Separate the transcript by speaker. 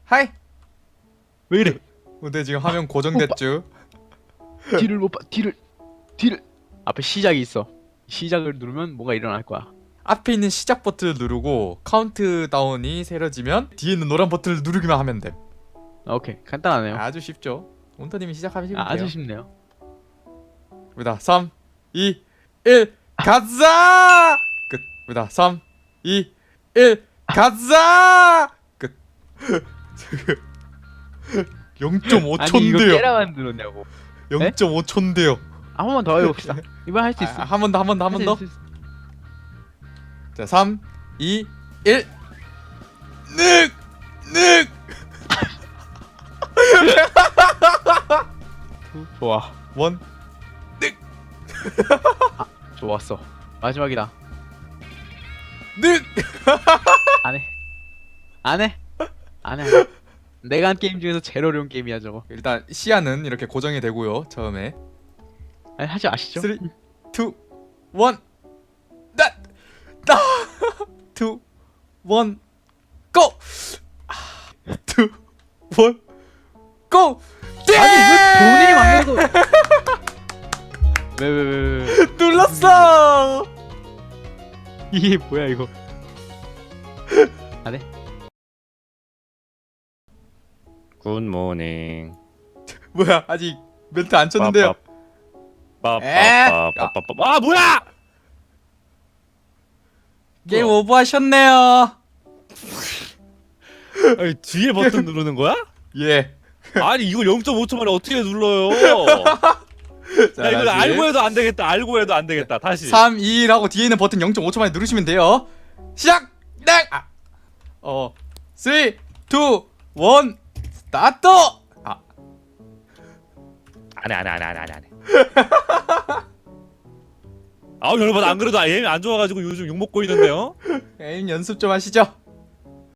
Speaker 1: 하이.
Speaker 2: 왜 이래?
Speaker 1: 근데 지금 화면 고정됐죠?
Speaker 2: 뒤를 못 봐. 뒤를 앞에 시작이 있어. 시작을 누르면 뭔가 일어날 거야.
Speaker 1: 앞에 있는 시작 버튼을 누르고 카운트다운이 세려지면 뒤에 있는 노란 버튼을 누르기만 하면 돼.
Speaker 2: 오케이, 간단하네요.
Speaker 1: 아주 쉽죠? 온터님이 시작하시면 돼요.
Speaker 2: 아주 쉽네요.
Speaker 1: 입니다. 3, 2, 1 가자! 끝. 입니다. 3, 2, 1 가자! 끝. 0.5초인데요.
Speaker 2: 아니 이거 깨라 만들었냐고.
Speaker 1: 0.5초인데요.
Speaker 2: 한 번만 더 해봅시다. 이번 할 수 있어.
Speaker 1: 한 번 더, 한 번 더, 한 번 더.
Speaker 2: 할수 있어.
Speaker 1: 자, 3, 2, 1 늑! 늑!
Speaker 2: 좋아.
Speaker 1: 1
Speaker 2: 좋았어. 마지막이다.
Speaker 1: 늑!
Speaker 2: 안 해. 안 해. 안 해. 내가 한 게임 중에서 제일 어려운 게임이야 저거.
Speaker 1: 일단 시야는 이렇게 고정이 되고요. 처음에
Speaker 2: 아니 하지 마시죠.
Speaker 1: 3, 2, 1 나! 나! 2, 1 고! 2, 1 고!
Speaker 2: 아니 왜 본인이 만들어도 왜
Speaker 1: 눌렀어!
Speaker 2: 이게 뭐야 이거. 안 해.
Speaker 3: 굿모닝.
Speaker 1: 뭐야 아직 멘트 안 쳤는데요.
Speaker 3: 빠빠빠빠빠빠. 아 뭐야?
Speaker 1: 게임 오버하셨네요.
Speaker 3: 아니, 뒤에 버튼 누르는 거야?
Speaker 1: 예.
Speaker 3: 아니 이걸 0.5초 만에 어떻게 눌러요?
Speaker 1: 자,
Speaker 3: 야 이거
Speaker 1: 다시.
Speaker 3: 알고 해도 안 되겠다. 알고 해도 안 되겠다. 다시.
Speaker 1: 3, 2, 1 하고 뒤에 있는 버튼 0.5초 만에 누르시면 돼요. 시작! 네! 3, 2, 1 스타트!
Speaker 3: 안 해. 아우 여러분 안 그래도 에임이 안 좋아가지고 요즘 욕 먹고 있는데요.
Speaker 1: 게임 연습 좀 하시죠.